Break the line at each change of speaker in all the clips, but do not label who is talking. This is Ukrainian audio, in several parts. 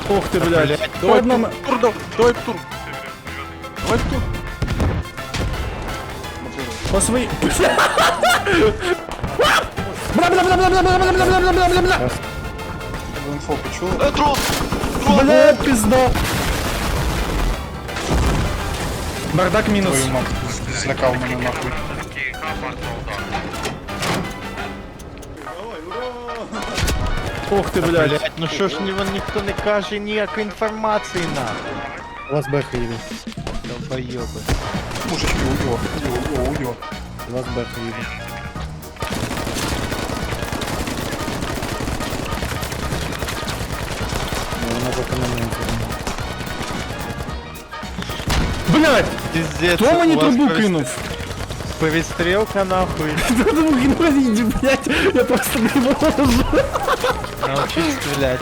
Ох ты, блядь.
Давай
Одном...
тур, давай тур. Давай тур.
По своей... Бля-бля-бля-бля-бля-бля-бля-бля-бля-бля-бля-бля!
Инфо почув?
Трон!
Бля, пизда! Бардак минус.
Твою мать, злякав мене нахуй.
Ох ты, блядь.
Блять, ну що ж ніхто не каже ніякої інформації на.
У вас беха їде.
Долбойоби.
Мужички, уйо.
У вас беха їде. Ну, вона поки на мене.
Блядь!
Пиздец.
Хто мені
у вас
трубу кинув?
Перестрілка нахуй.
Хто трубу кинув? Иди, блядь, я просто не можу.
Научись стрелять.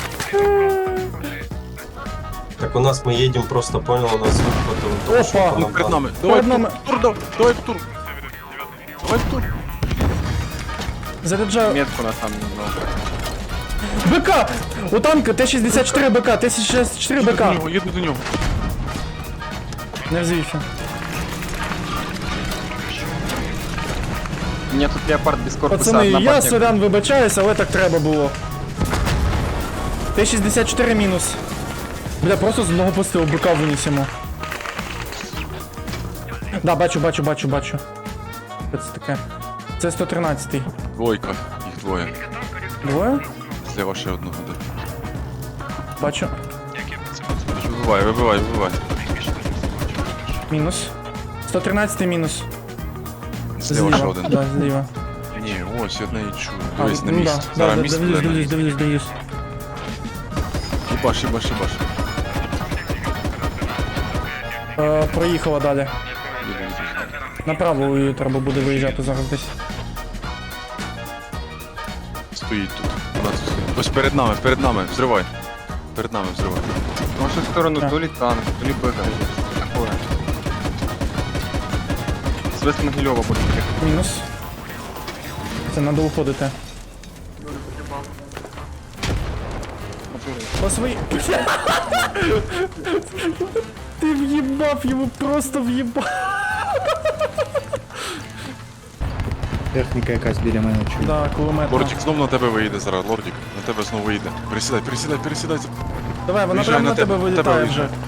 Так у нас мы едем, просто понял, у нас звук потом.
Опа!
Ну перед нами.
Перед нами.
Давай в тур. Давай в тур.
Заряджаю.
Метку на самом деле.
БК! У танка Т-64 БК, Т-64 БК.
Їду до нього.
Не взвівся.
У меня тут леопард без корпуса.
Пацани, я
однопартник.
сорян вибачаюсь, але так треба було. Т-64 мінус. Бля, просто з одного пострілу БК винесемо. Да, бачу. Що це таке? Це 113-й.
Двойка, їх двоє.
Двоє?
Зліва ще одного де.
Бачу.
Вибивай.
Мінус. 113-й мінус.
Зліва ще один.
Да, зліва.
Ні, ось я не чую.
А,
Дивись на
ну
місці.
да,
Зараз місце буде на місці.
дивлюсь.
Їбаш.
Проїхала далі.
Їду.
Направо її треба буде виїжджати зараз десь.
Стоїть тут. Вона тут стоїть. Ось перед нами, взривай. Перед нами взривай.
В нашу сторону
Да.
то ли танк, то ли БК. Такое. С Вест-Могилева будет.
Мінус. Це треба уходити. По своїй... Ти в'їбав, йому просто в'їбав.
Техніка якась біля мене чує.
Да, кулемет.
Лордік знов на тебе виїде зараз, Лордік. На тебе знову виїде. Пересідай.
Давай, вона
Виїжджай
прямо на
на
тебе
тебе,
вилітає
виїжджай.
вже.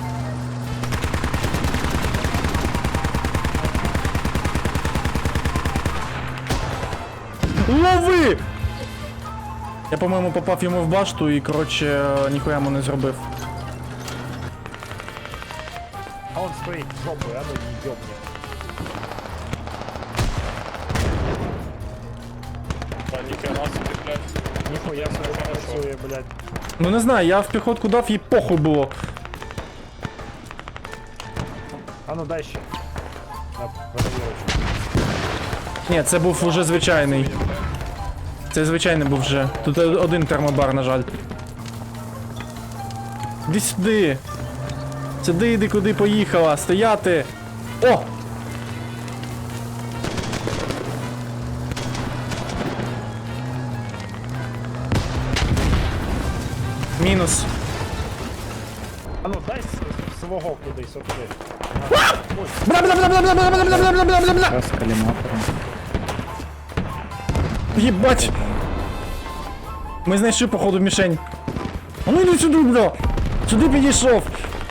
Лови! Я, по-моєму, попав йому в башту і, коротше, ніхуя йому не зробив.
А он стоїть жопою, а ну її йобне. Ніхуя собі працює, блядь.
Ну не знаю, я в піхотку дав, їй похуй було.
А ну дай ще. На перевірочку.
Ні, це був уже звичайний. Це звичайний був вже. Тут один термобар, на жаль. Іди сюди. Сюди йди, куди поїхала. Стояти. О! Мінус.
А ну дай свого кудись, отуди.
Бля-бля-бля-бля-бля-бля-бля-бля-бля-бля-бля!
Раз коліматором.
Єбать! Ми знайшли, походу, мішень. А ну йди сюди, бля! Сюди підійшов!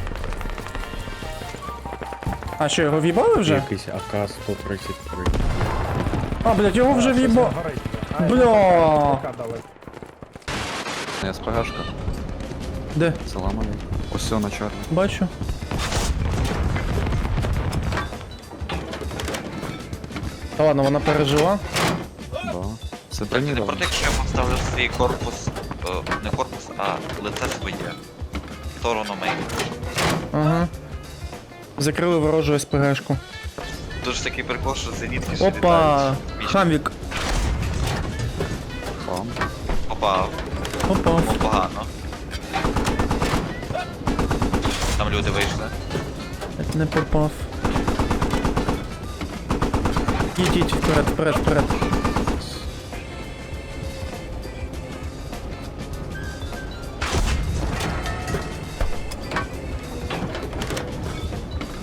А що, його в'їбали вже?
Якийсь АК-133.
А, блядь, його вже в'їбали. Бля!
СПГшка,
Де?
заламаний. Ось все на чорно.
Бачу. Та ладно, вона пережила.
Да. Це
Не
бронірований.
проти, якщо я поставлю свій корпус, не корпус, а лице своє. В сторону мейн.
Ага. Закрили ворожу СПГшку.
Дуже такий прикол, що зенітки ж
Опа!
літають. Вічно.
Хамвік.
Бам.
Попав.
Опа.
Погано. Там люди вийшли.
Не попав. Їдіть, вперед.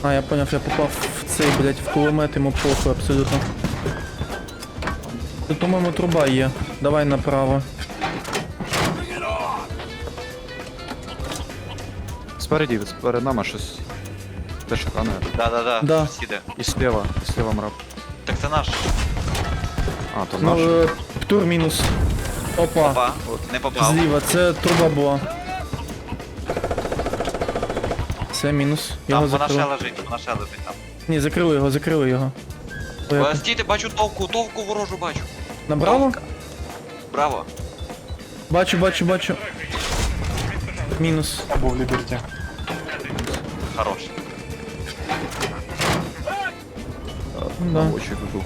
А, я поняв, я попав в цей, блядь, в кулемет, йому похуй абсолютно. Тут, по-моєму, труба є. Давай направо.
Спереді, перед нами щось. Те шукане.
Да.
Да.
Сіде.
І слева мрап.
Так це наш.
А, то
Ну,
наш.
птур мінус. Опа.
Опа, не попав.
Зліва, це труба була. Це мінус. Його
Там вона ще
закрили.
лежить там.
Ні, закрили його. Ой,
Стійте, бачу товку ворожу бачу.
Набраво?
Товка. Браво.
Бачу. Мінус.
Або в Ліберті.
Хорош.
Да.
Очі дугу.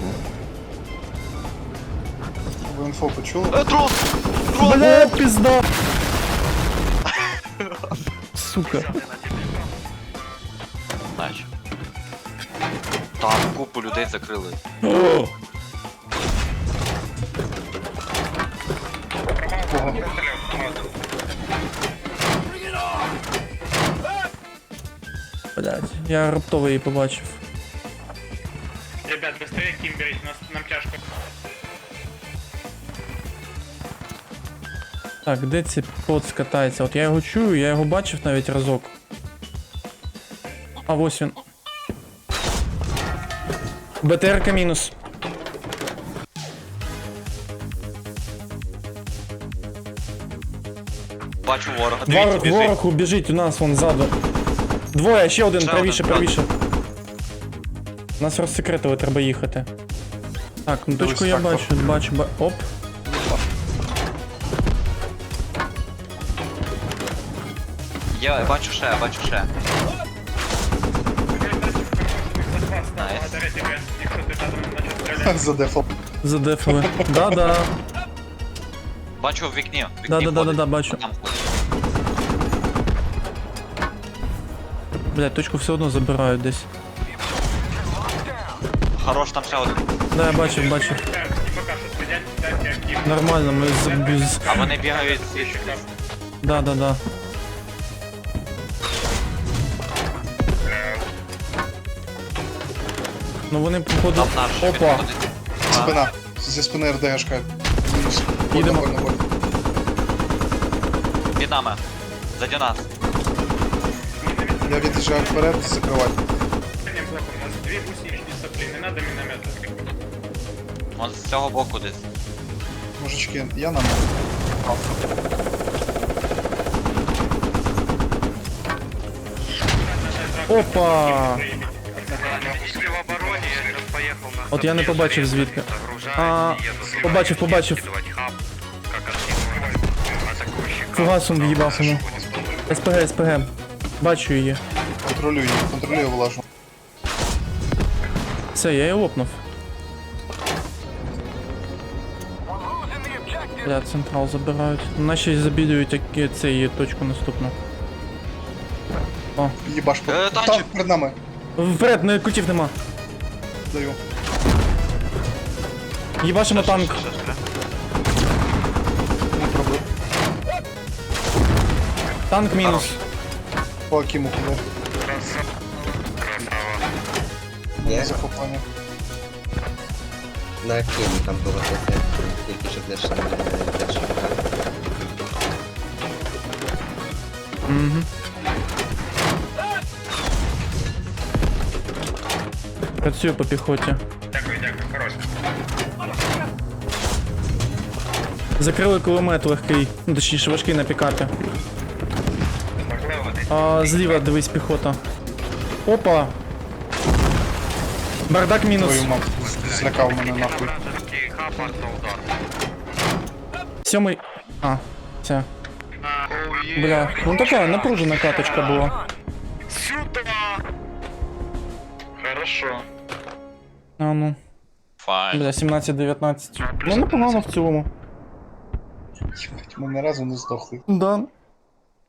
Ви інфо почули?
Дрон!
Бля, пизда! Сука.
Наче. Там купу людей закрили.
Кого?
Блядь, я раптово її побачив.
Ребят, быстрее ким берите, нам тяжко.
Так, де цей пот скатається? От я його чую, я його бачив навіть разок. А ось він. БТРка мінус.
Бачу ворога. Дивіться,
Ворог,
біжить.
ворог убіжить у нас вон ззаду. Двоє, ще один,
Ще
правіше,
один,
правіше. Нас розсекретили, треба їхати. Так, ну точку я
Дивись,
бачу. Оп.
Я бачу ще. Найс.
Благодаря тебе, якщо ти задом начав стріляти.
Задефав.
Задефили. Да.
Бачу в вікні. В вікні
Да,
ходить.
бачу.
Там ходить.
Блядь, точку все одно забирають десь.
Хорош, там ще один.
Да, я бачив.
Так, і поки що сидять, дайте актив.
Нормально, ми з...
А вони бігають звідси.
Да. Ну вони походу...
Там наш.
Опа.
підходить. А,
Спина. Зі спини РДГшка. Мінус.
Їдемо.
Больно.
Під нами. Заді нас.
Я від'їжджаю вперед, закривати.
Блоком, у нас дві гусеничні соплі, не надо міномета.
Он з цього боку десь.
Мужички, я на мене.
Опа! От я не побачив звідки. А, побачив. Фугасом в'їбав йому. СПГ. Бачу її.
Контролюю влажну.
Все, я її лопнув. Бля, централ забирають. Наші забідують цей точку наступну. О,
Їбаш.
танчик.
Там перед нами.
вперед, не кутів нема.
Даю.
Їбашимо танк.
Не пробив.
Танк мінус.
По Акіму куди. Є захоплення.
На Києві там було таке, тільки що теж
Угу. Працюю по піхоті.
Дякую, хорош.
Закрили кулемет легкий, ну точніше важкий на пікапі. А, зліва дивись піхота. Опа! Бардак мінус.
Твою маму. Злякав мене нахуй.
Сьомий. А, це. Бля, ну така напружена каточка була.
Хорошо.
А ну.
Файн.
Бля, 17-19. Ну непогано в цілому.
Ми ні разу не здохли.
Да.